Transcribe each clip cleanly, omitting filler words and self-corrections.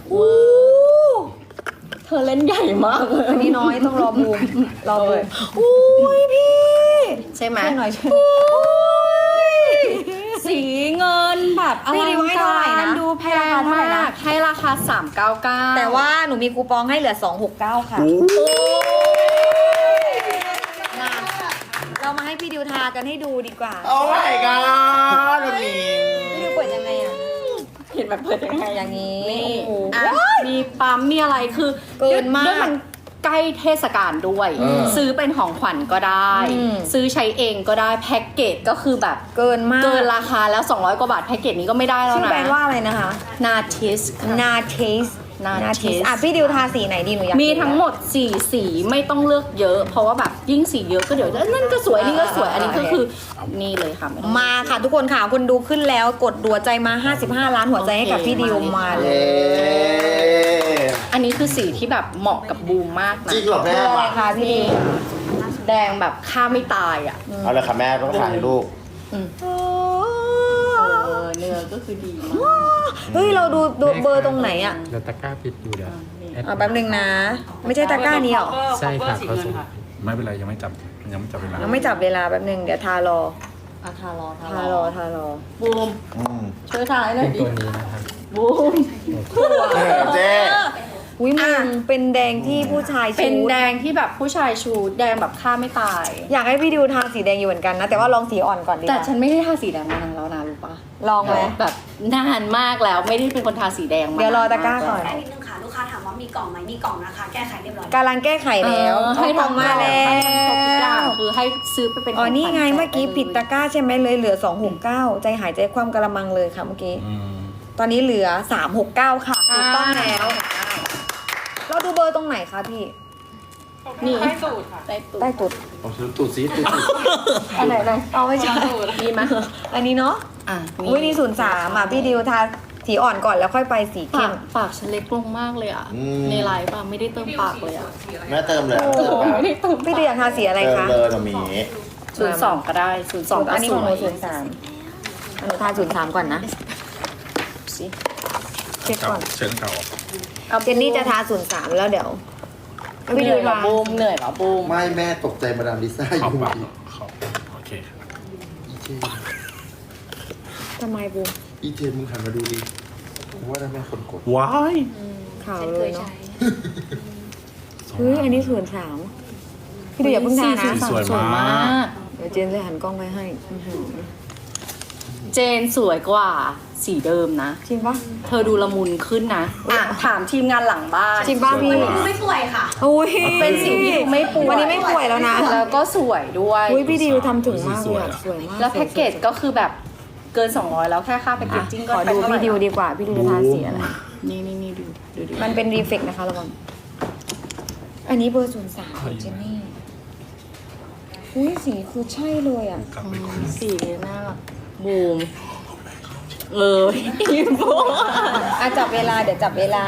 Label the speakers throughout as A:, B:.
A: อู้เธอเล่นใหญ่มากเลย
B: อันนี้น้อยต้องรอบูมรอบูม
A: อุ้ยพี่ ใช่ไหม
B: ช่วยหน่อยช่วย
A: สีเงินแบบอ
B: พี่
A: ลั
B: ดิ
A: ง
B: วให้เท่าไหร่
A: การ
B: นะ
A: ดูแพ
B: ให้ราง คาเท่าไหร่
A: มา
B: นะ
A: กให้ราคา399
B: แต่ว่าหนูมีคูปองให้เหลือ269ค่ะมาเรามาให้พี่ดิวทากันให้ดูดีกว่า
C: โอ้ my god แบบนี้
B: พี่ดิวเปิดยังไงอ่ะ
A: เห็นแบบเปิดยังไง
B: อย่างนี้
A: นี่
B: โอ้โห
A: อ่ะมีปั๊มมีอะไรคือ
B: เกินมาก
A: ด้วยมันใกล้เทศกาลด้วย ซื้อเป็นของขวัญก็ได้
B: อืม
A: ซื้อใช้เองก็ได้แพ็กเกจก็คือแบบ
B: เกินมาก
A: เกินราคาแล้ว200กว่าบาทแพ็กเกจนี้ก็ไม่ได้แล้ว
B: ชื่อ
A: นะ
B: แบรนด์ว่าอะไรนะคะ
A: นาทิส
B: นาเทส
A: Natis
B: อ่ะพี่ดิวทาสีไหนดีหนูอยาก
A: มีทั้งหมด4สีไม่ต้องเลือกเยอะ เพราะว่าแบบยิ่งสีเยอะก็เดี๋ยวนั่นก็สวยนี่ก็สวยอันนี้ก็คือนี่เลยค่ะไม่ต้อง
B: มาค่ะทุกคนค่ะคนดูขึ้นแล้วกดหัวใจมา55ล้านหัวใจให้กับพี่ดิวมาเล
C: เย้
B: ย
A: อันนี้คือสีที่แบบเหมาะกับบูมมากนะ
C: จริงเหรอแม่
B: อะไร
C: มา
B: คะพี่ดิว
A: แดงแบบฆ่าไม่ตายอ่ะ
C: เอาเลยค่ะแม่ต้องถ่ายรูป
A: เนื้อก็คือดีมาก
B: เฮ้ยเราดูเบอร์ตรงไหนอ่ะ
D: เดี๋ยวตะกร้าปิดอยู่เดี๋ยวแอด
B: แป๊บนึงนะ ไม่ใช่ตะกร้านี้หรอ
D: ใช่ค่ะเขาส่ง
E: ไม่เป็นไรยังไม่จับเวลา
B: ยังไม่จับเวลาแป๊บนึงเดี๋ยวทารอ
A: ทารอ
B: ทารอ
A: บูม
C: อืม
A: ช่วยทายหน่อ
D: เป็
A: ย
D: น
A: ดิ
D: ตัวนี้นะครับ
A: บูม
C: เจ๊
B: อุ้ยมึงเป็นแดงที่ผู้ชายชู
A: เป็นแดงที่แบบผู้ชายชูแดงแบบฆ่าไม่ตาย
B: อยากให้พี่ดิวทาสีแดงอยู่เหมือนกันนะ แต่ว่าลองสีอ่อนก่อนดีก
A: แต่
B: ว่า
A: ฉันไม่ได้ทาสีแดงมานานแล้วนะรู้ปะ
B: ลองไหม
A: แบบนานมากแล้วไม่ได้เป็นคนทาสีแดงมา
B: เดี๋ยวรอตะกร้าก่อน
F: ได้นิดนึงค่ะ ลูกค้าถามว่ามีกล่องไหมมีกล่องนะคะ แก้ไขเรียบร้อย
B: กำลังแก้ไขแล้ว
A: ให้
B: เอาของมาแล้
A: ให้ทำครบทุกอย่าง
B: ว
A: คือให้ซื้อไปเป็น
B: อ๋อ นี่ไง
A: ขขวัญ
B: เมื่อกี้ผิดตะกร้าใช่ไหมเลยเหลือ269ใจหายใจคว่ำกระมังเลยค่ะเมื่อกี้ ตอนนี้เหลือ369ค่ะถูกต้องแล้ว เราดูเบอร์ตรงไหนคะพี่
A: นี่ใต้ตูดค่ะใต้ตูด
B: ใต้ตุด
C: เอาซื้อตูดซีตูด
A: อันไหนเลย
B: เอาไม่ใช่
A: ดีไหม
B: อันนี้เนาะ
A: อ่ะ
B: อุ้ยนี่03อ่ะพี่ดิวทาสีอ่อนก่อนแล้วค่อยไปสีเข้
A: ปาม กปากฉันเล็กลงมากเลยอ่ะ ในไลฟ์ป่ะไม่ได้เติมปากเลยอ่ะ
C: แม่เติมเลย
B: โอ้
C: เติม
A: ไม่ได้เติม
B: พี่ดิวอยากทาสีอะไร
C: เติม
B: คะ
C: เลยเรามี
A: 02ก็ได้02
B: อันนี้ของหนู
A: สวย
B: 03หนูทา03ก่อนนะ
A: สิ
B: เช็คก่อน
E: เชิญเก่า
B: เจนนี่จะทา03แล้วเดี๋ยว
A: เหนื่อยเหรอบูมเหนื่อยเหรอบูม
C: ไม่แม่ตกใจมาดามลิซ่าอ
E: ขอบ
C: ยู่
E: ปากขอบโอเคครับ
B: ทำไมบูม
C: อีเจมึงหันมาดูดิผมว่าถ้าแม่คนกด
E: ว้าย
B: ขาวเลยเนาะเฮ้ยอันนี้03พี่ดิวอย่าเพิ่งทานะ
E: สวยมาก
B: เดี๋ยวเจนจะหันกล้องไปให้อื้อหือ
A: เจนสวยกว่าสีเดิมนะ
B: จริงปะ
A: เธอดูละมุนขึ้นนะอ่ะถามทีมงานหลังบ้าน
B: จริงปะพี่
F: ดูไม่ป่วยค่ะ
B: อุ้ย
A: เป็นสิ่งที่ดูไม่ป่วย
B: วันนี้ไม่ป่วยแล้วนะ
A: แล้วก็สวยด้วย
B: อุ้ยพี่ดิวทำถึงมากเลยอะสวยมาก
A: แล้วแพ็กเกจก็คือแบบเกิน200แล้วแค่ค่าแพ็กเกจจิ้งก็
B: ขอ
A: ไป
B: ดู
A: เท่าไหร่
B: พี่ดิวดีกว่าพี่ดิวจะทาสีอะไร
A: นี่ดู
B: มันเป็นรีเฟกนะคะระวังอันนี้เบอร์03ของเจนนี่อุ้ยสีคือใช่เลยอ่ะ
E: กลับไปคุย
A: สีน่ารักบูมอินโฟ
B: อ่ะจับเวลาเดี๋ยวจับเวลา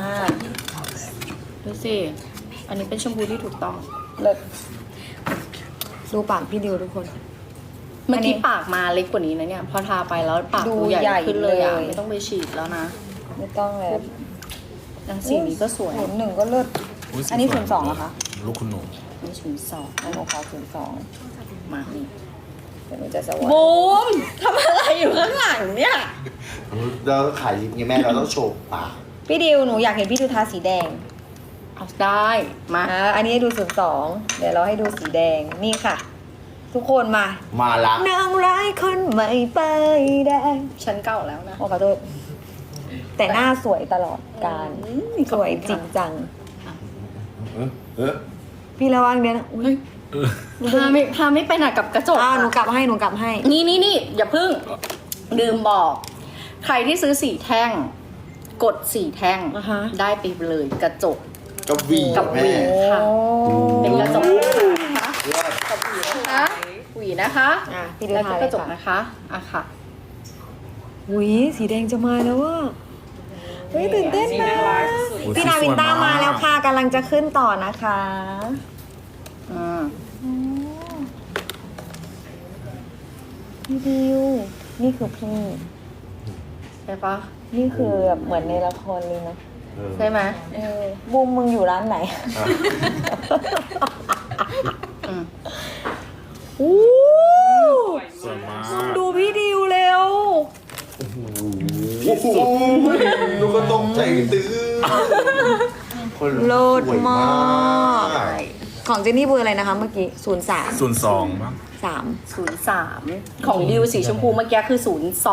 A: ดูสิอันนี้เป็นชมพูที่ถูกต้อง
B: เลิศดูปากพี่ดิวทุกคน
A: เมื่อกี้ปากมาเล็กกว่านี้นะเนี่ยพอทาไปแล้วปากดูใหญ่ขึ้นเลยอ่ะไม่ต้องไปฉีดแล้วนะ
B: ไม่ต้องแล้ว
A: แล้วสีนี้ก็สวย
B: 01ก็เลิศ
E: ย
B: อันนี้
E: สวย
B: 02เหรอคะ
E: ลูกคุณหนู
A: นี่ชุดสอง
B: อันหนูขอ02
A: มานี่
B: เดี๋ยวหนูจะสวัสดี
A: บูมทำอะไรอยู่ข้างหลังเนี่ย
C: เราขายลิปไงแม่เราต้องโชว์ปาก
B: พี่ดิวหนูอยากเห็นพี่ดิวทาสีแดง
A: เอาได้มา
B: อันนี้ให้ดู02เดี๋ยวเราให้ดูสีแดงนี่ค่ะ ทุกคนมา
C: มาละ
B: นางร้ายคนใหม่ไปายแดง
A: ฉันเก่าแล้วนะ
B: โอ้ขอโทษแต่หน้าสวยตลอดการสวยจริงจัง
C: เออ
B: พี่ระวังเดี๋ยวนะอุ๊ย
A: พาไม่ไปหนักกับกระจก
B: หนูกลับให้หนูกลับให้
A: นี่อย่าพึ่งลืมบอก ใครที่ซื้อสีแท่ง กดสีแท่ง
B: อ่าฮะ
A: ได้ไปเลยกระจก
C: กับวี
A: กับหวี
C: แม่
A: ค่ะ เป็นกระจกนะคะ
C: เลิศ
A: กับหวีนะคะหวีนะคะ
B: พี่ดู
A: แล้ว
B: ทา
A: ก็
B: เล
A: ก
B: ย
A: ระจก
B: ค่ะ
A: นะคะอ่ะค่ะ
B: อุ้ยสีแดงจะมาแล้วว่ะเฮ้ยตื่นเต้นนะพี่นาวินต้ามาแล้วค่ะกำลังจะขึ้นต่อนะคะ พี่ดิวนี่คือพี่
A: ใช่ปะ
B: นี่คือแบบเหมือนในละครเลยนะ
A: ใช่ไหม
B: บูมมึงอยู่ร้านไหน
A: อืม
B: อู้
E: สวยมาก
B: มึงดูพี่ดิวเร็ว
C: โอ้โหดูก็ตกใจตื้อคน
B: เลิศ
C: สวย
B: มาก ของเจนนี่เบอร์อะไรนะคะเมื่อกี้ 03
E: 02บ้าง
B: 3
A: 03 ของดิวสีชมพูเมื่อกี้คือ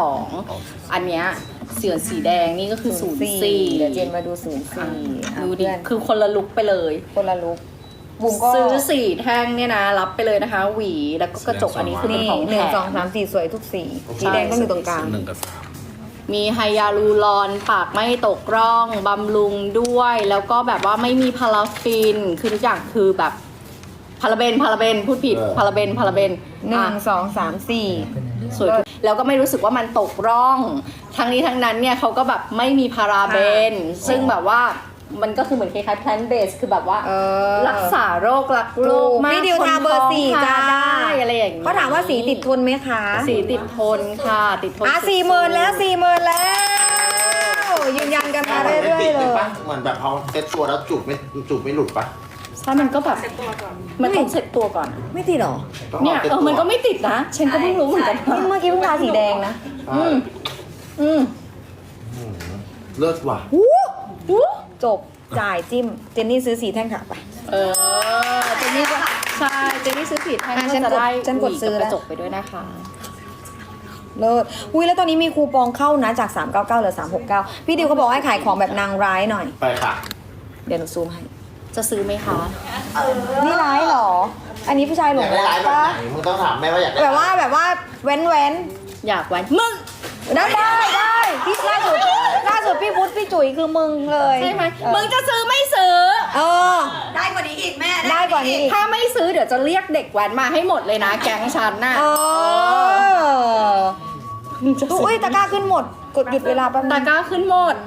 A: 02 อันเนี้ยเสือสีแดงนี่ก็คือ 04
B: เดี๋ยวเจนมาดู 04
A: ดูดิ คือคนละลุกไปเลย
B: คนละลุกบุมก็
A: ซื้อ4แท่งเนี่ยนะ รับไปเลยนะคะ หวีแล้วก็กระจกอันนี้คือเป็น
B: นี่
A: ของ
B: ห
A: แถ
B: นึ่ง
A: ม
B: สองสามสี่สวยทุกสีสีแดงต้องอยู่ตรงกลาง
E: 1 กับ
A: มีไฮยาลูรอนปากไม่ตกร่องบำรุงด้วย แล้วก็แบบว่าไม่มีพาราฟิน คือทุกอย่างคือแบบพาราเบนพูดผิดพาราเบน
B: หนึ่งสองสามสี่
A: สวยแล้วก็ไม่รู้สึกว่ามันตกร่อง ทั้งนี้ทั้งนั้นเนี่ยเขาก็แบบไม่มีพาราเบน ซึ่งแบบว่ามันก็คือเหมือนคล้ายๆ plant based คือแบบว่า รักษาโรครักโรคมาก
B: พี่ดิวทาเบอร์สี่
A: คนท้
B: จ้า
A: องทได้อะไรอย่างเงี้ย
B: เขาถามว่าสีติดทนไหมคะ
A: สีติดทนค่ะติดทน
B: 40,000แล้ว40,000แล้วยืนยันกันมาเรื่อยๆเลย
C: เหมือนแบบพอเซ็ตตัวแล้วจูบไม่หลุดปะ
A: ใช่มันก็แบบมันต้องเช็ดตัวก่อน
B: ไม่ติดหรอ
A: เนี่ยมันก็ไม่ติดนะฉันก็เพิ่งรู้เหมือนกัน
B: นี่เมื่อกี้เพิ่งทาสีแดงนะ
A: อืม
C: เลิศว่ะ
B: จบจ่ายจิ้มเจนนี่ซื้อสีแท่งค่ะไป
A: เจนนี่ก็ใช่เจนนี่ซื้อผิดให้
B: อ่ะ
A: ก็
B: ฉัน
A: จะ
B: กด
A: ได้
B: ฉันกดซื้อ
A: หวี
B: แล้
A: บ
B: ว
A: กระจกไปด้วยนะคะ
B: เลิศอุ้ยแล้วตอนนี้มีคูปองเข้านะจาก 399เหลือ369พี่ดิวเขาบอกให้ขายของแบบนางร้ายหน่อย
C: ไปค่ะ
B: เดี๋ยวหนูซูมให้
A: จะซื้อไหมคะ
B: นี่ร้ายเหรอ อันนี้ผู้ชายหล
C: อง ยากได้
B: รั
C: ร้าก ยแบบ
B: ปะ
C: ไหนมึงต้องถามแม่ว่าอยากได้
B: แบบว่าแว้น
A: อยากแว้นมึง
B: ได้พี่ล่าสุดพี่พุทธพี่จุ๋ยคือมึงเลย
A: ใช่ไหม
B: เออ
A: มึงจะซื้อไม่ซื้อ
B: เออ
F: ได้กว่านี้อีกแม่
B: ได้กว่านี้อีก
A: ถ้าไม่ซื้อเดี๋ยวจะเรียกเด็กแว้นมาให้หมดเลยนะแก๊งฉันน่ะ
B: เอออุ้ยตะกร้าขึ้นหมด กดหยุดเวลาแป๊บนึ
A: ตะ
B: ง
A: กร้าขึ้นหมด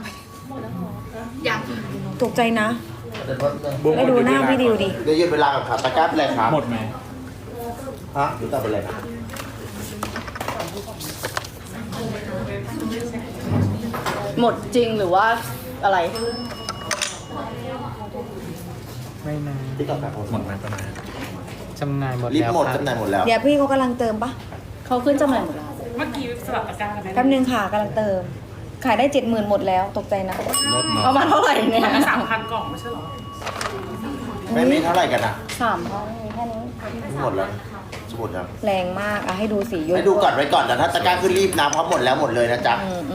B: ตกใจนะแล้วดูหน้าพี่ดิวดิ
C: เดี๋ยวหยุดเวลากับขาตะกร้าเป็นไรครับ
E: หมดไหม
C: ฮะหรือตาเป็นไรนะ
A: หมดจริงหรือว่าอะไร
D: ไม่นาน
C: ที่ต่อไป
E: หมดไหมประมาณ
D: จำหน่ายหมด
C: รีบ
D: แล้ว
C: หมด
D: ครับ
C: จำหน่ายหมดแล้ว
B: เดี๋ยวพี่เขากำลังเติมปะ
A: เขาขึ้นจำหน่ายหมดแล้ว
G: เมื่อกี้สลับตะกร้ากันไหม
B: แป๊บนึงค่ะกำลังเติม ขายได้ 70,000หมดแล้วตกใจนะ
E: ลดเนาะ
A: เอามาเท่าไหร่เนี่ย
G: 3,000 กล่องไม่ใช่เหรอ
C: แม่มีเท่าไหร่กันอ่ะ
A: 3,000
B: มีแค่นี้
C: หมดแล้วจะหมดแล้ว
B: แรงมากอ่ะให้ดูสียุ่
C: ให้ดูก่อนไว้ก่อนแต่ถ้าตะกร้าขึ้นรีบนะเพราะหมดแล้วหมดเลยนะจ๊ะ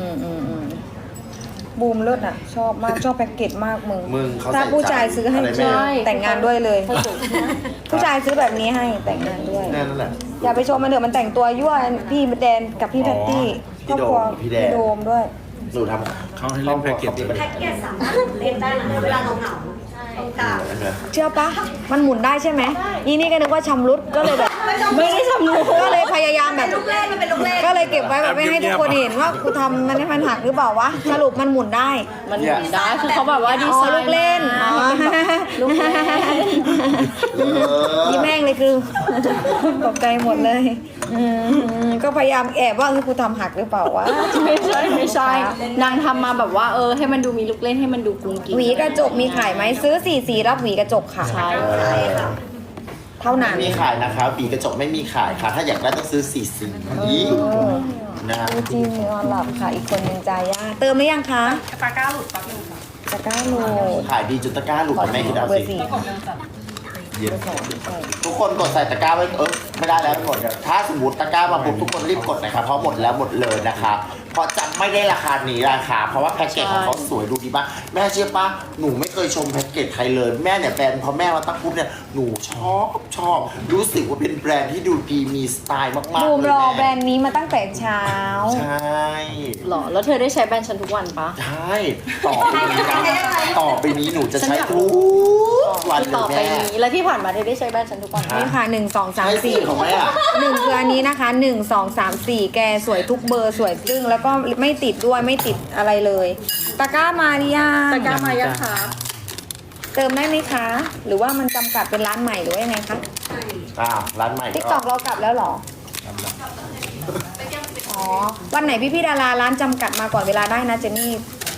B: บูมเลิศอ่ะ ชอบมากชอบแพ็กเกจมากมึง
C: มึงเขา
B: ถ้า
C: ใส่
B: ผู้ชายซื้อให้
C: อะไรแม่
B: ใช่แต่งงานด้วยเลย
A: ให้สวย
B: ผู้ชายซื้อแบบนี้ให้แต่งงานด้วย
C: แน่นั่นแหละ
B: อย่าไปชมมันเถอะมันแต่งตัวยั่วพี่แดนกับพี่แพตตี้ครอบครัว
C: พี่แดน
B: พี่โดมด้วย
C: หนูทำ
E: เขาให้เล่นแพ็กเกจ
F: แพ็กเกจสามารถเล่นได้นะเวลาเราเหงาๆตรงกลาง
B: เชื่อปะมันหมุนได้ใช่ไหมอีนี่ก็นึกว่าชำรุดก็เลยแบบ ไม่ได้ชำรุดก็เลยพยายามแบบ
F: ลูกเล่นมันเป็นลูกเล่น
B: ก็เลยเก็บไว้แบบไม่ให้ทุกคนเห็นว่ากูทำมันให้มันหักหรือเปล่าวะสรุปมันหมุนได้
A: มันหมุนได้คือเขาแบบว่าดี
B: อ๋อ
A: ไซน์
B: ลูกเล่น
A: มาให้เป็นแบบลูกเล่น
B: ยิ้มแม่งเลยคือ ตกใจหมดเลยก็พยายามแอบว่าคือกูทำหักหรือเปล่าวะ
A: ไม่ใช่นางทำมาแบบว่าให้มันดูมีลูกเล่นให้มันดูกุ้งกิ้ง
B: หวีกระจกมีขายไหมซื้อ4สีรับหวีกระจกค่ะ
A: ใช่
B: เท่านั้น
C: ไม่มีขายนะคะปีกระจกไม่มีขายค่ะ ถ้าอยากได้ต้องซื้อ4สีนะ
B: จริงนอนหลับค่ะ อีกคนนึงจาย่าเติมหรือยังคะ
G: ตะกร้าหลุดแป๊บนึงค่ะ
B: ตะกร้าโหลด
C: ขายดีจนตะกร้าหลุดแม่คิดเอา
B: เบอ
C: สิ
B: ร์สี่
G: กล่องเดิมจัด
C: เย็นทุกคนกดใส่ตะกร้าไว้ไม่ได้แล้วหมดถ้าสมมติตะกร้ามาปุ๊บทุกคนรีบกดนะครับเพราะหมดแล้วหมดเลยนะคะเพราะจำไม่ได้ราคานี้ราคาเพราะว่าแพ็กเกจของเขาสวยดูดีมากแม่เชื่อปะหนูไม่เคยชมแพ็กเกจใครเลยแม่เนี่ยแบรนด์พอแม่มาตั้งปุ๊บเนี่ยหนูชอบรู้สึกว่าเป็นแบรนด์ที่ดูดีมีสไตล์มากๆ
B: บูม
C: เลย
B: รอแบร
C: แม่
B: นด์นี้มาตั้งแต่เช้า
C: ใช่
A: หรอแล้วเธอได้ใช้แบรนด์ฉันทุกวันปะ
C: ใช่ต่อไปนี้นะต่อไปนี้หนูจะใช้ทุกวันเล
A: ต่อย ไป
C: แม่
A: นี้แล้วที่ผ่านมาเธอได้ใช้แบรนด์ฉันทุกวันปะ
B: นี่ค่ะ1 2
C: ใช้
B: 3
C: สีของแม่อะ
B: 4 1คืออันนี้นะคะ1 2 3 4แกสวยทุกเบอร์สวยจึ้งแล้วก็ไม่ติดด้วยไม่ติดอะไรเลยตะกร้ามาหรือยัง
A: ตะกร้ามายังคะ
B: เติมได้ไหมคะ หรือว่ามันจำกัดเป็นร้านใหม่หรือว่ายังไงคะ
C: ร้านใหม่
B: ติ๊กตอกเรากลับแล้วเหรออ๋อวันไหนพี่ๆดาราร้านจำกัดมาก่อนเวลาได้นะเจนนี่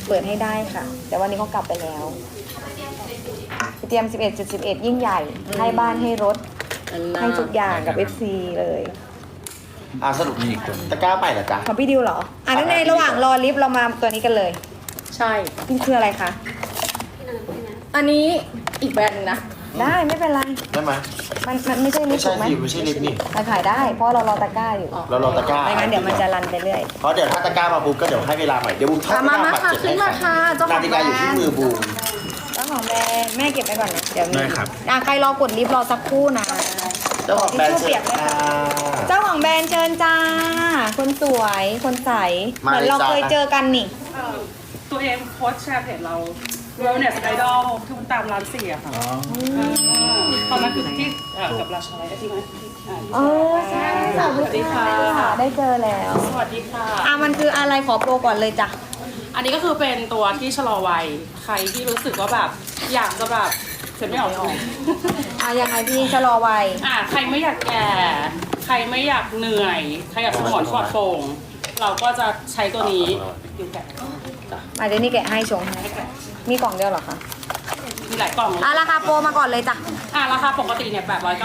B: เปิดให้ได้ค่ะ แต่วันนี้เขากลับไปแล้วเตรียม 11.11 ยิ่งใหญ่ ให้บ้านให้รถ ให้ทุกอย่างกับ FC เลย
C: สรุปมีตะกร้าใหม่เหรอจ๊ะ
B: ของพี่ดิวเหรอนั่นในระหว่างรอลิฟต์เรามาตัวนี้กันเลย
A: ใช่
B: นี่คืออะไรคะ
A: อันนี้อีกแบรนด์หนึงนะ
B: ได้ไม่เป็นไร
C: ได้ไหม
B: มันไม่ใช่ลิ
C: ไม่
B: ฟต์
C: ใช่
B: ถูกไหม
C: สิไม่ใช่ลิฟต์นี่
B: มันขายได้ เพราะเรารอตะกร้าอยู่
C: เรารอตะกร้า
B: ไม่งั้นเดี๋ยวมันจะรันไปเรื่อย
C: เพราะเดี๋ยวถ้าตะกร้ามาปุ๊บก็เดี๋ยวให้เวลาใหม่เดี๋ยวบูมทอด
A: มา
C: ตะกร้า
A: มา
C: บัตร
A: ค่ะ
C: เจ็ด
A: ขึ้น
C: ให้
A: มาค่ะเจ้าข
C: นา
A: อง
C: ฬิ
A: แบ
C: การ อยู่ที่
A: นด์
C: มือบูม
B: เจ้าของแบรนด์แม่เก็บไปก่อนนะเดี๋ยวมี
E: ได้ครับ
B: ใครรอกดลิฟต์รอสักครู่นะ
C: เจ้าของแบรนด์
B: ทิชชู่เปียกเลยค่ะ เจ้าของแบรนด์เชิญจ้า คนสวย คนใส เหมือนเราเคยเจอกันนี่
G: ตัวเองโพสต์แชร์เพจเรา Wellness Idol ที่ตามร้านเสียค่ะตอนนั้นคือที่กับราชาไลท์ใช่ไหม
B: อ๋อใช่ค่ะ
G: สวัสดีค่ะ
B: ได้เจอแล้ว
G: สวัสดีค่ะ
B: มันคืออะไรขอโปรก่อนเลยจ้ะ
G: อันนี้ก็คือเป็นตัวที่ชะลอวัย ใครที่รู้สึกว่าแบบอยากจะแบบเสร็จไม่ออก
B: ยังไงพี่ชะลอวัย
G: ใครไม่อยากแก่ ใครไม่อยากเหนื่อย ใครอยากสมองปลอดโปร่งเราก็จะใช้ตัวนี้อยู่แก่
B: เดี๋ยวนี่แกะให้ชงให้มีกล่องเดียวเหรอคะ
G: มีหลายกล่อง
B: ราคาโปรมาก่อนเลยจ้ะ
G: ราคาปกติเนี่ย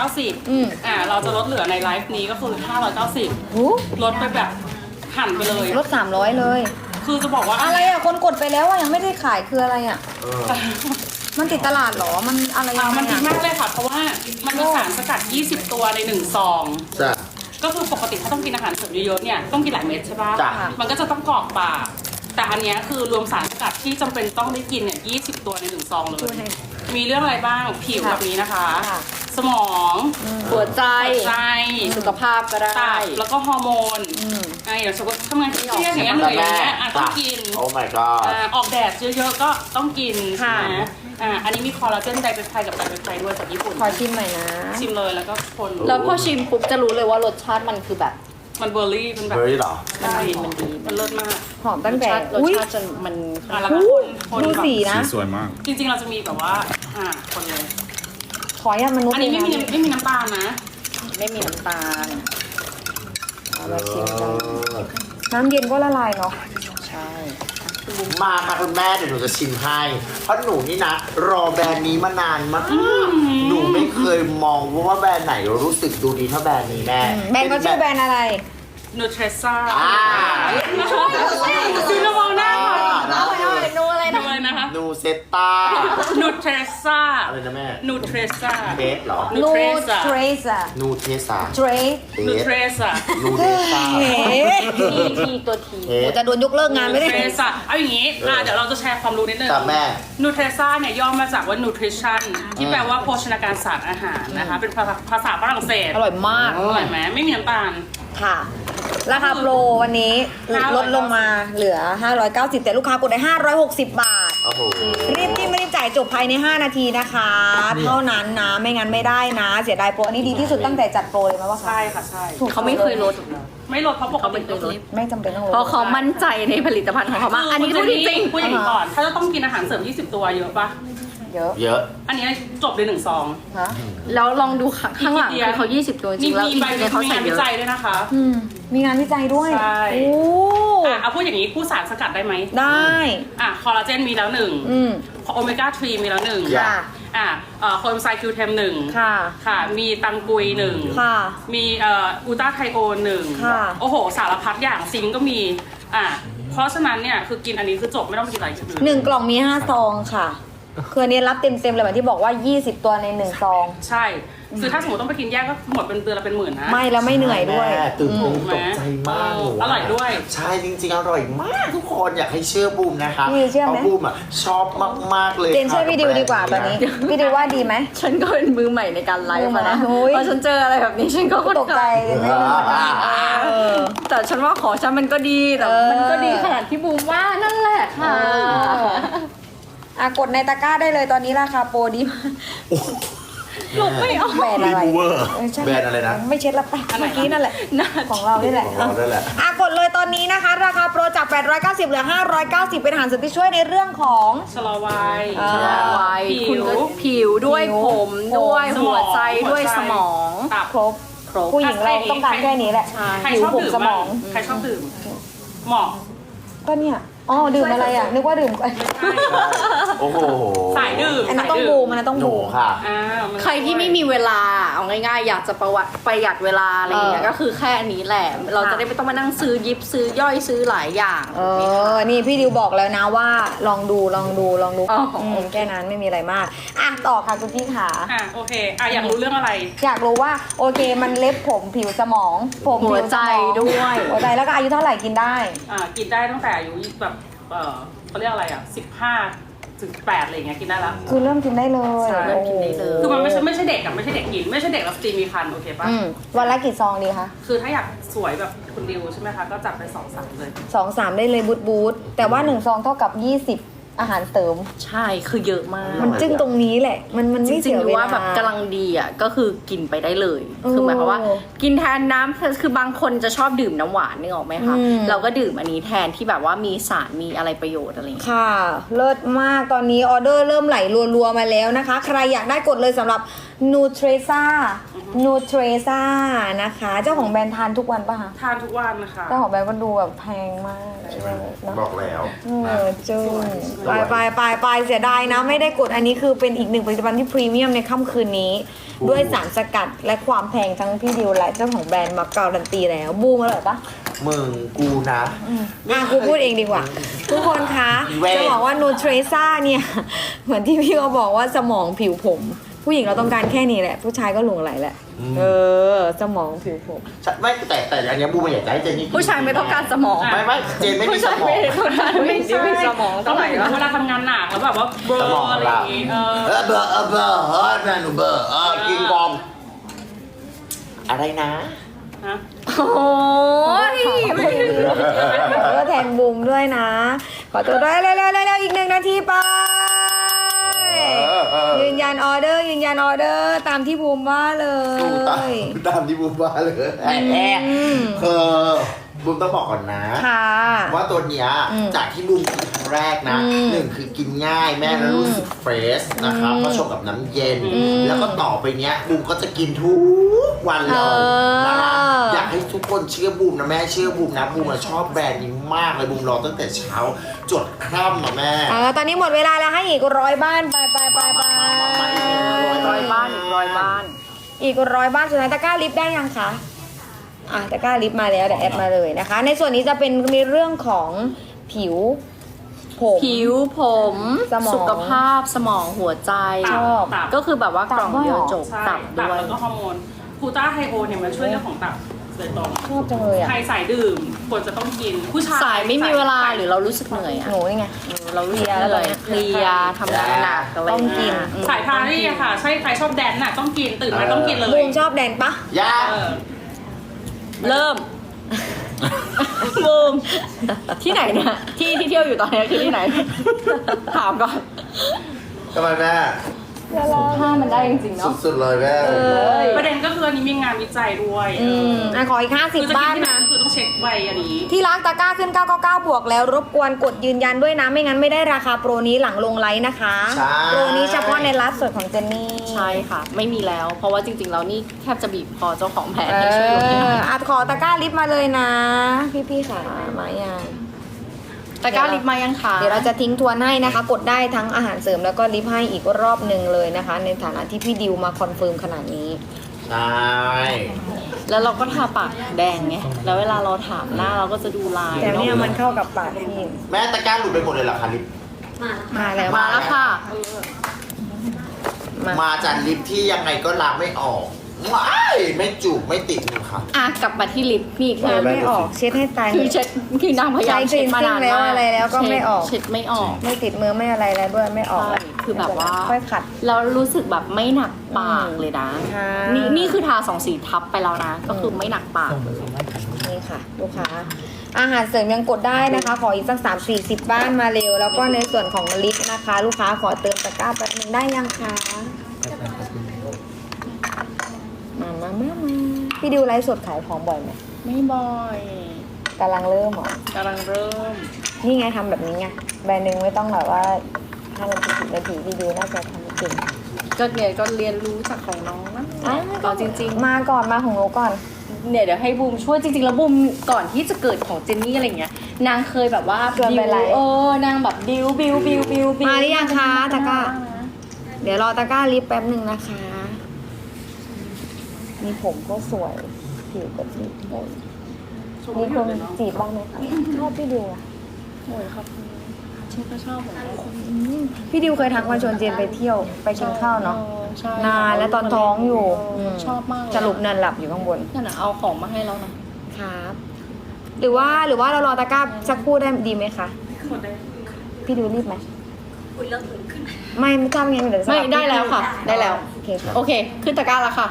G: 890เราจะลดเหลือในไลฟ์นี้ก็คือ590
B: หู
G: ลดไปแบบหั่นไปเลย
B: ลด300เลย
G: คือจะบอกว่า
B: อะไรคนกดไปแล้วยังไม่ได้ขายคืออะไรมันติดตลาดเหรอ มันอะไรยังไง
G: มันดีมากเลยค่ะ เพราะว่ามันมีสารสกัด 20 ตัวใน1ซอง
C: จ้ะ
G: ก็คือปกติถ้าต้องกินอาหารเสริมเยอะๆเนี่ยต้องกินหลายเม็ดใช่ปะ
C: จ้ะ
G: มันก็จะต้องกรอกปากแต่อันเนี้ยคือรวมสารสกัดที่จำเป็นต้องได้กินเนี่ย20 ตัวใน1ซองเลย มีเรื่องอะไรบ้างผิวแบบนี้นะคะ สมอง
A: หัวใจ
G: ใจ
A: สุขภาพก็ได้
G: ตับแล้วก็ฮอร์โมนอย่างสมมติทำงานเครียดอย่างเงี้ยเหนื่อยอย่างเงี้ยต้องกิน
C: โอ้ my god
G: ออกแดดเยอะๆก็ต้องกินนะอันนี้มีคอลลาเจนไดเปปไทด์กับไดเปปไทด์ด้วยจากญี่ปุ่น
B: ขอชิมหน่อยนะ
G: ชิมเลยแล้วก็คน
A: แล้วพอชิมปุ๊บจะรู้เลยว่ารสชาติมันคือแบบ
G: มันเบอร์รี่มันแบบ
C: เบอร์รี่เหรอ
G: มันดีมันเลิศมาก
B: หอมตั้งแต่
A: รส
B: อุ้ย
A: ชาติจนมัน
G: แล้วก็คน
B: ดู
G: แบบ
B: สีนะ
E: สีสวยมาก
G: จริงๆเราจะมีแบบว่าคนเลย
B: ขออนุญาตมนุษย์
G: อันนี้ไม่มีน้ำตาลนะ
A: ไม่มีน้ำตาล
B: เอามาชิมกันน้ำเย็นก็ละลายเนาะ
A: ใช่
C: มาค่ะคุณแม่เดี๋ยวหนูจะชิมให้ เพราะหนูนี่นะ รอแบรนด์นี้มานานมาก หนูไม่เคยมองว่าแบรนด์ไหนรู้สึกดูดีเท่าแบรนด์นี้แม่
B: แบรนด์เขาชื่อแบรนด์อะไร
G: นูเทรซ่า
C: อ่า
G: ซีนมองหน้าค่ะ
A: นูอะไร
G: ดู
A: นะ
G: เลยนะคะ
C: นูเซตตา
G: นูเทรซ่า
C: อะไรนะแม่
G: นูเทรซ่า
C: เทสเหรอ
G: นูเทรซ่า
B: เทรซ่า
C: นูเทสา
B: เทรส
G: นูเทรซ่า
C: นูเทสา
A: ทีตัวที
C: เทส
B: จะโดนยกเลิกงานไม่ได้
G: นูเทรซ่าเอาอย่างนี้เดี๋ยวเราจะแชร์ความรู้นิดนึง
C: กับแม่
G: นูเทรซ่าเนี่ยย่อมาจากว่า nutrition ที่แปลว่าโภชนาการศาสตร์อาหารนะคะ เป็นภาษาฝรั่งเศส
B: อร่อยมาก
G: อร่อยไหมไม่มีน้ำตาล
B: ค่ะ ราคาโปรวันนี้ลดลงมาเหลือ 590 แต่ลูกค้ากดได้ 560 บาท
C: โอ้โห
B: รีบจิ้มรีบจ่ายจบภายใน 5 นาทีนะคะ เท่านั้นนะ ไม่งั้นไม่ได้นะ เสียดายโปร อันนี้ดีที่สุดตั้งแต่จัดโปรเลยไหมว่าคะ
G: ใช่ค่ะใช่
A: เขาไม่เคยลด
G: ไม่ลดเพราะปกติตัวนี้
B: ไม่จำเป็นต้องลด
A: เพราะเขามั่นใจในผลิตภัณฑ์ของเขามากอันนี้พูดจริง
G: พูดอย่างนี้ก่อน ถ้าจะต้องกินอาหารเสริม 20 ตัวเยอะปะ
B: เยอะ
C: เยอะ
G: อันนี้จบเลย1ซอง
B: ฮะ
A: ๆแล้วลองดูข้างหลังคือเขา20 ตัวจริ
G: นี่
A: งๆแล้ว
G: มี
A: อีก
G: ใบ
A: ทีเขา
G: มี
A: ใส่
G: งาน
A: เย
G: วิ
A: อะ
G: จัยด้วยนะคะ
B: มีงานวิจัยด้วย
G: ใช่
B: โอ้
G: เอาพูดอย่างนี้คู่สารสกัดได้ไหม
B: ได้
G: คอลลาเจนมีแล้วหนึ่ง โอเมก้า 3 มีแล้วหนึ่ง
B: ค่ะ
G: โคเอนไซม์คิวเทมหนึ่ง
B: ค่ะ
G: ค่ะ มีตังกุยหนึ่ง
B: ค่ะ
G: มีอูต้าไทโอนหนึ่ง
B: ค่ะ
G: โอ้โห สารพัดอย่างซิงก์ก็มีเพราะฉะนั้นเนี่ยคือกินอันนี้คือจบไม่ต้องกินอะไรอื่น
B: 1 กล่องมี 5 ซองค่ะ คืออันนี้รับเต็มๆเลยเหมือนที่บอกว่า 20 ตัวใน 1 ซอง
G: ใช่ คือถ้าสมมติต้องไปกินแยกก็หมดเป็นเดือนละเป็นหมื่นนะ
B: ไม่แล้วไม่เหนื่อยด้วย
C: แม่ตื่นตก
G: ถูกไหม
C: ใจมากหนูะ
G: อร่อยด้วย
C: ใช่จริงๆ อร่อยมากทุกคนอยากให้เชื่อบูมนะคะ
B: พี่เชื่อไหม
C: พราะบูมชอบมากๆเลย
B: เจนเชื่อพี่ดิวดีกว่าตอนนี้ พี่ดิวว่าดีไหม
A: ฉันก็เป็นมือใหม่ในการไลฟ์มานะ
B: โอ้ย
A: พอฉันเจออะไรแบบนี้ฉันก็
B: ตกใจเลยไม่รู้เหมือนกันเออ
A: แต่ฉันว่าของฉันมันก็ดีแต่
B: เออ
A: มันก็ดีขนาดที่บูมว่านั่นแหละค่ะ
B: กดในตะกร้าได้เลยตอนนี้ราคาโปรดีมาก
A: หลบไม่ออก
B: แบรนด์อะไร
C: รีมูเวอร์
B: ใช่
C: แบรนด์อะไรนะ
B: ไม่เช็ดละไปเมื่อกี้นั่นแหละของเรานี่แหละ
C: ของเราด้วยแหละ
B: กดเลยตอนนี้นะคะ ราคาโปรจาก 890 เหลือ 590 เป็นอาหารเสริมที่ช่วยในเรื่องของ
G: ชะลอวัย
A: วัย
G: ผิว
A: คุณก็ผิวด้วย
B: ผิว
A: ผมด้วย
G: สมอง
A: หัวใจด้วย
G: หัวใจ
A: สมอง
G: ตับ
B: ครบ ผู้หญิงเราต้องการแค่นี้แหละ
G: ใคร
B: ผิว
G: ชอบ
B: ผม
G: ดื่ม
B: สมอง
G: ใครชอบดื่มเหมาะ
B: ก็เนี่ยอ๋อดื่มอะไรอ่ะนึกว่าดื่ม
C: โอ้โห
G: สายดื่ม
B: อันนั้นต้องบูมอันนั้นต้อง
C: หนู
B: บูม
C: ค่ะ
G: มัน
A: ใครที่ไม่มีเวลาเอาง่ายๆอยากจะประหยัดเวลาอะไรอย่างเงี้ยก็คือแค่อันนี้แหละ เราจะได้ไม่ต้องมานั่งซื้อยิบซื้อย่อยซื้อหลายอย่าง
B: นี่พี่ดิวบอกแล้วนะว่าลองดู
A: อ๋อ
B: แค่นั้นไม่มีอะไรมากอ่ะต่อค่ะคุณพี่ขา
G: โอเคอยากรู้เรื่องอะไร
B: อยากรู้ว่าโอเคมันเล็บผมผิวสมองผม
A: หัวใจด้วย
B: หัวใจแล้วก็อายุเท่าไหร่กินได้
G: กินได้ตั้งแต่อายุแบบเขาเรียกอะไร15-18อะไรอย่างเงี้ยกินได้ละ
B: คือเริ่มกินได้เลย
A: ใช่เริ่มกินได้เลย
G: คือมันไม่ใช่เด็กอะไม่ใช่เด็กกินไม่ใช่เด็กแล้วสตรีมีคันโอเคปะ
B: วันละกี่ซองดีคะ
G: คือถ้าอยากสวยแบบคุณดิวใช่ไหมคะก็จับไป2-3เลย
B: 2-3 ได้เลยบูทแต่ว่า1ซองเท่ากับ20อาหารเสริม
A: ใช่คือเยอะมาก
B: มันจึ้งตรงนี้แหละ มัน
A: จ
B: ไม่
A: ริ
B: เสี
A: ง
B: ย
A: ๆ
B: เว
A: ว่า
B: ลา
A: แบบกำลังดีอ่ะก็คือกินไปได้เลย คือหมายความว่า กินแทนน้ำคือบางคนจะชอบดื่มน้ำหวานนึกออกไหมคะเราก็ดื่มอันนี้แทนที่แบบว่ามีสารมีอะไรประโยชน์อะไรอย่างเงี้ย
B: ค่ะ เลิศมากตอนนี้ออเดอร์เริ่มไหลรัวๆมาแล้วนะคะ ใครอยากได้กดเลยสำหรับ Nutresa นะคะ เจ้าของแบรนด์ทานทุกวันป่ะคะ
G: ทานทุกวันนะคะ
B: เจ้าของแบรนด์ก็ดูแบบแพงมากเนอะ
C: บอกแล้ว
B: จึ้งไปเสียดายนะ ไม่ได้กดอันนี้คือเป็นอีกหนึ่งผลิตภัณฑ์ที่พรีเมียมในค่ำคืนนี้ ด้วยสารสกัดและความแพงทั้งพี่ดิวและเจ้าของแบรนด์มาการันตีแล้วบูมอร่อยปะ
C: มึงกูนะ
B: กูพูดเองดีกว่า ทุกคนคะ
C: เว้ย
B: จะบอกว่านูเทรซ่าเนี่ย เหมือนที่พี่เขาบอกว่าสมองผิวผม ผู้หญิงเราต้องการแค่นี้แหละ ผู้ชายก็หลงไหลแหละ สมองผิวผม
C: ไม่แต่อันเนี้ยบูมไม่อยากจะให้เจนนี่กิน
A: ผู้ชายไม่ต้องการสมอง
C: ไม่เจนไม่มี
A: ผู้
C: ส
A: ชาย
C: มอง
A: ผู้ชายไม่มีสมอง
G: ต้
A: เท่า
G: อง
A: ไห
G: ห
A: ร่
G: มายถึง
A: แล้ว
G: เวลาทำงานหนักแล้วแบบว่าเบล
C: สมอง
G: ออะไรอย่างงี้
C: เบอร์แม่หนูเบอร์กินกองอะไรนะ
G: ฮะ
A: โอ้ย
B: ก็แทนบูมด้วยนะ ขอตัวด้วยเร็วๆอีก1 นาทีไป ยืนยันออเดอร์ตามที่บูมว่าเลย
C: ตามที่บูมว่าเลยคือบูมต้องบอกก่อนนะ
B: ค่ะ
C: ว่าตัวเนี้ยจากที่บูมกินครั้งแรกนะหนึ่งคือกินง่ายแม่แล้วรู้สึกเฟรชนะคะเพราะชงกับน้ำเย็น แล้วก็ต่อไปเนี้ยบูมก็จะกินทุกวันเลยนะคะอยากให้ทุกคนเชื่อบูมนะแม่เชื่อบูมนะบูมชอบแบรนด์นี้มากเลยบูมรอตั้งแต่เช้าจดค่ำอะแม่
B: ตอนนี้หมดเวลาแล้วให้อีก100 บ้านไป
A: ร้อยบ้านอีก100 บ้าน
B: อีก100 บ้านสุดท้ายตะกร้าลิฟต์ได้ยังคะตะกร้าลิฟต์มาแล้วเดี๋ยวแอดมาเลยนะคะ ในส่วนนี้จะเป็นในเรื่องของผิวผม
A: ผิวผม
B: สมอง
A: สุขภาพสมองหัวใจ
B: ชอบ
G: ตับ
A: ก็คือแบบว่ากล่องเดียวจบ
G: ใช่
A: ตับ
G: ตับ
A: ด้วย
G: แล้วก็ฮอร์โมนคูต้าไฮโอเนี่ยมันช่วยเรื่องของตับโดยตรง
B: ชอบจังเลยอ่ะ
G: ใครสายดื่มควรจะต้องกินผู้ชาย
A: สายไม่มีเวลาหรือเรารู้สึกเหนื่อยอ่ะ
B: หนูนี่ไง
A: เรารู้สึกเหนื่อยเพลียทำงานหนักอะไร
B: ต้องกิน
G: สายพานี่ค่ะ ใช่ใครชอบแดนซ์น่ะต้องกินตื่นมาต้องกินเลย
B: บูมชอบแดนปะ
C: ยา
G: เออ
A: เริ่มบูมที่ไหนเนี่ยที่เที่ยวอยู่ตอนนี้คือที่ไหน ถามก่อน
C: ทำไมแม่
A: ถ้ามันได้จริงๆเนาะ
C: สุดๆเลยแม่
G: ประเด็นก็คืออันนี้มีงานวิจัยด้วย
B: ขออีก
G: คือจะ
B: 50 บ้า
G: กิ
B: น
G: นที่ไหน
B: นะ
G: ก็คือต้องเช็คใบอันนี้
B: ที่รักตะกร้าขึ้น 999 บวกแล้วรบกวนกดยืนยันด้วยนะ ไม่งั้นไม่ได้ราคาโปรนี้หลังลงไลฟ์นะคะ
C: ใช่
B: โปรนี้เฉพาะในไลฟ์สดของเจนนี่
A: ใช่ค่ะ ไม่มีแล้ว เพราะว่าจริงๆแล้วนี่แทบจะบีบคอเจ้าของแบรนด์ให้ช่วยลดให้หน่อย
B: ขอตะกร้าลิฟต์มาเลยนะ พี่ๆค่ะมายัง
A: ตะกร้าลิปมายังคะ
B: เดี๋ยวเราจะทิ้งทวนให้นะคะ กดได้ทั้งอาหารเสริมแล้วก็ลิฟต์ให้อีกรอบหนึ่งเลยนะคะ ในฐานะที่พี่ดิวมาคอนเฟิร์มขนาดนี้
C: ใช่
A: แล้วเราก็ทาปากแดงไง แล้วเวลาเราถามหน้าเราก็จะดูลาย
B: แต่เนี่ย
A: เนอะ
B: มันเข้ากับปากพี่
C: แม่ตะกร้าหลุดไปหมดเลยเหรอคะลิฟต์
B: มาแล้ว
A: มาแล้วค่ะ
C: มาจากลิฟต์ที่ยังไงก็ล้างไม่ออกว้ายไม่จูบไม่ติดเลยค่ะ
A: อ่ะกลับมาที่ลิปนี่คือ
B: ไม่ออกเช็ดให้ตาย
A: คือเช็ดคือนางพยายามเช็ดมานาน
B: ใช้ cleansing แล้ว
A: มาก
B: อะไรแล้วก็ไม่ออก
A: เช็ดไม่ออก
B: ไม่ติดมือไม่อะไรแล้วด้วยไม่ออก
A: ใช่คือแบบว่า
B: ค่อยขัด
A: แล้วรู้สึกแบบไม่หนักปากเลยนะ
B: ค่ะ
A: นี่คือทา2 สีทับไปแล้วนะ ก็คือไม่หนักปาก
B: นี่ค่ะลูกค้าอาหารเสริมยังกดได้นะคะ ขออีกสัก30 บ้านมาเร็ว แล้วก็ในส่วนของลิฟต์นะคะ ลูกค้าขอเติมตะกร้าแป๊บนึงได้ยังคะมาพี่ดิวไลฟ์สดขายของบ่อยไหม
A: ไม่บ่อย
B: กำลังเริ่มเหรอก
A: ำลังเริ่ม
B: นี่ไงทำแบบนี้ไงแบรนด์หนึ่งไม่ต้องแบบว่า5 นาที10 นาทีพี่ดิวน่าจะทำเก่ง
A: ก็เรียนรู้จากของน้องนะ
B: อ่ะ
A: ก็จริง
B: มาก่อนมาของหนูก่อน
A: ๆเนี่ยเดี๋ยวให้บูมช่วยจริงๆแล้วบูมก่อนที่จะเกิดของเจนนี่อะไรเงี้ยนางเคยแบบว่า
B: ชวนไปไลฟ์
A: นางแบบบิว
B: มาหรือยังคะตะกร้า เดี๋ยวรอตะกร้าลิปแป๊บหนึ่งนะคะ มีผมก็สวย ผิวก็ดีมีคนจีบบ้างไหมคะชอบพี่ดิวอะ
A: โอ้ยครับฉันก็ชอบเหมือนกัน
B: พี่ดิวเคยทักมาชวนเจนไปเที่ยวไปกินข้าวเนาะ
A: ใช่
B: นานแล้วตอนท้องอยู่
A: ชอบมากเลย
B: สรุปนอนหลับอยู่ข้างบน
A: นั่นน่ะเอาของมาให้แล้วนะครับ
B: หรือว่าเรารอตะกร้าสักครู่ได้ดีไหมคะ พี่ดิวรีบไหม
F: คุณเรื่องอื่นขึ้น
B: ไม่ทราบไงเดี๋ยวจะ
A: ไม่ได้แล้วค่ะ ได้แล้ว
B: โอเคค่ะ
A: โอเค ขึ้นตะกร้าแล้วค่ะ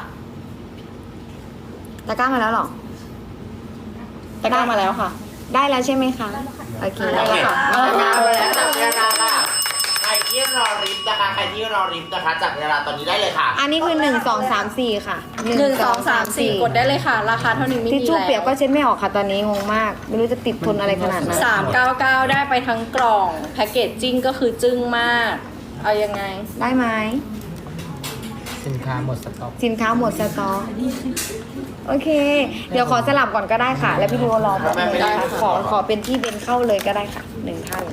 B: ตะกร้ามาแล้วเหรอ
A: ตะกร้ามาแล้วค่ะ
B: ได้แล้วใช่ไหมคะ โอเค
A: ได้แล้วค่ะ
C: จับเวลาไปแล้วจับเวลาค่ะใครที่รอริฟต์นะคะใครที่รอริฟต์นะคะจับเวลาตอนนี้ได้เลยค่ะ
B: อันนี้คือ1 2 3 4ค่ะ
A: 1 2 3 4 กดได้เลยค่ะ ราคาเท่านี้ไม่มี
B: ทิชชู่
A: แล้ว
B: เปียกก็เช็ดไม่ออกค่ะตอนนี้งงมาก ไม่รู้จะติดทนอะไรขนาดนั้น
A: 399 ได้ไปทั้งกล่อง แพ็กเกจจิ้งก็คือจึ้งมาก เอายังไง
B: ได้ไหม
D: สินค้าหมดสต็อก
B: สินค้าหมดสต็อกโอเค เดี๋ยวขอสลับก่อนก็ได้ค่ะ แล้วพี่ดูรอแป๊บนึงนะคะขอเป็นที่เบนเข้าเลยก็ได้ค่ะ1ท่าน